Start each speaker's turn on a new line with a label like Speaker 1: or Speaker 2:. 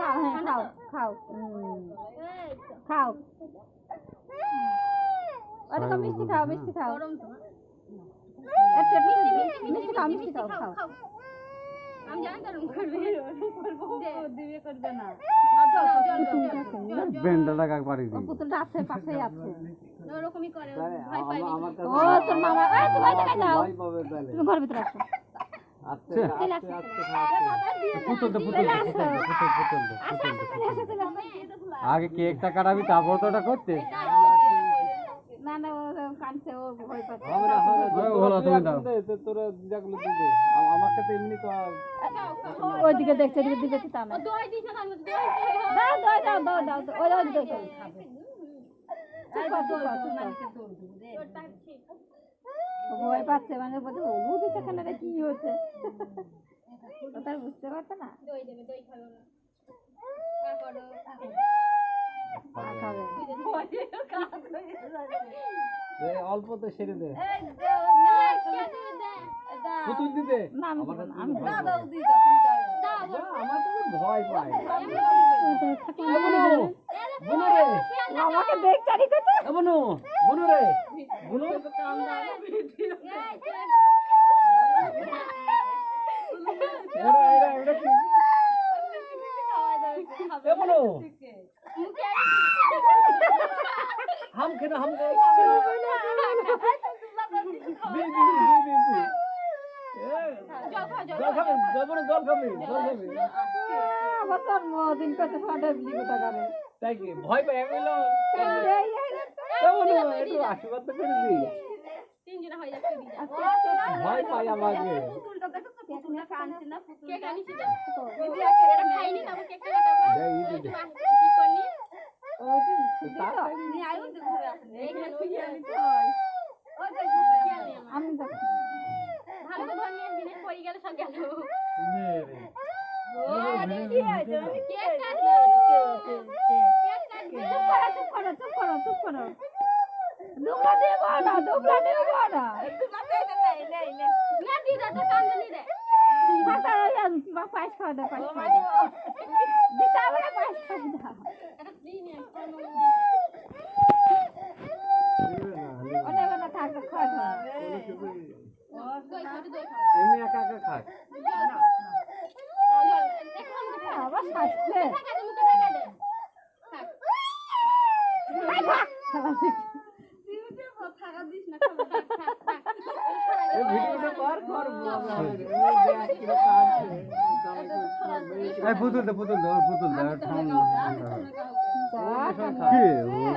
Speaker 1: খাও হ্যাঁ খাও খাও খাও ওরকম মিষ্টি খাও মিষ্টি খাও একটা মিষ্টি খাও মিষ্টি খাও খাও
Speaker 2: আমি জানি তো করবে দিবে করবে না
Speaker 3: বেন্ডাটা কাক পারি দি
Speaker 1: পুতুলটা আছে পাশেই আছে
Speaker 2: ওরকমই করে ভয় পাই
Speaker 1: ও তোর মামা এই তুমি ওই জায়গায় যাও
Speaker 3: ভয় পাবে তাহলে
Speaker 1: তুমি ঘর ভিতরে আসো
Speaker 3: আস্তে আস্তে পুতুলটা আগে কেকটা কাটাবি তারপর তো ওটা করতে
Speaker 1: না না ও কাঁদছে ও ভয় পাচ্ছে
Speaker 3: হলো তুমি দাও তোরা যেগুলো দিবে আমাকে তো এমনি
Speaker 1: ওইদিকে দেখছে এদিকে দিবে কি তা না
Speaker 2: দই দিছ না আমি দই
Speaker 1: দাও দাও দাও দাও ওই ওই দই খাবে ভয় পাচ্ছে মানে বলছে ও দিচ্ছে কেন রে কি হচ্ছে ও তার বুঝতে পারছে না
Speaker 2: দই দেবে দই খাবে না কা করো
Speaker 1: খাবে
Speaker 3: অল্প তো সেরে দে
Speaker 2: এই না কে দিবে দে
Speaker 3: পুতুল দিতে
Speaker 1: না আমি
Speaker 2: দাও দাও দি দাও তুমি দাও
Speaker 3: আমার তো ভয় পায়
Speaker 1: বুনু রে আমাকে দেখ চারি করছে
Speaker 3: বুনু বুনু রে বুনু
Speaker 2: কাম দাও
Speaker 3: এরা কি এ বুনু हम खेना हम दे जल खाबे जल खाबे
Speaker 1: আবার তোর দিন করতে ফাটা বিলি কথা করে
Speaker 3: তাই কি ভয় পায় এগুলো একটু আশীর্বাদ তো করে দি
Speaker 2: তিনজন হয়ে যাচ্ছে দিদা
Speaker 3: ভয় পায় আমাকে
Speaker 2: পুতুলটা দেখো তো পুতুলটা কাঁদছে না পুতুল কে কানিছে দিদি এটা খাইনি তারপর কেকটা কাটাবো
Speaker 3: দে এই দে
Speaker 2: কি করনি
Speaker 3: তা
Speaker 2: নি আয়ু তো ঘুরে আসে এইখানে ছুটি আমি ওই যে
Speaker 1: আমি যাচ্ছি
Speaker 2: ভালো করে ধরনি দিনে পড়ে গেল সব গেল কেক কাটলো কেক কাটবে
Speaker 1: চুপ করো চুপ করো দুবলা দেব না
Speaker 2: না দিদা তো কান্দনি রে
Speaker 1: ফাটা পায়েস খাওয়া দাও পায়েস খাওয়া দাও দিতে হবে না পায়েস খাওয়া দাও
Speaker 2: এটা দিন
Speaker 1: অনেক না থাকবে খাওয়া দাও
Speaker 2: দই খাবে দই খাবে
Speaker 3: এমনি একা একা খায়
Speaker 1: আবার শাস্তে
Speaker 3: এই ভিডিওটা কর এই পুতুল দে ঠান্ডা কি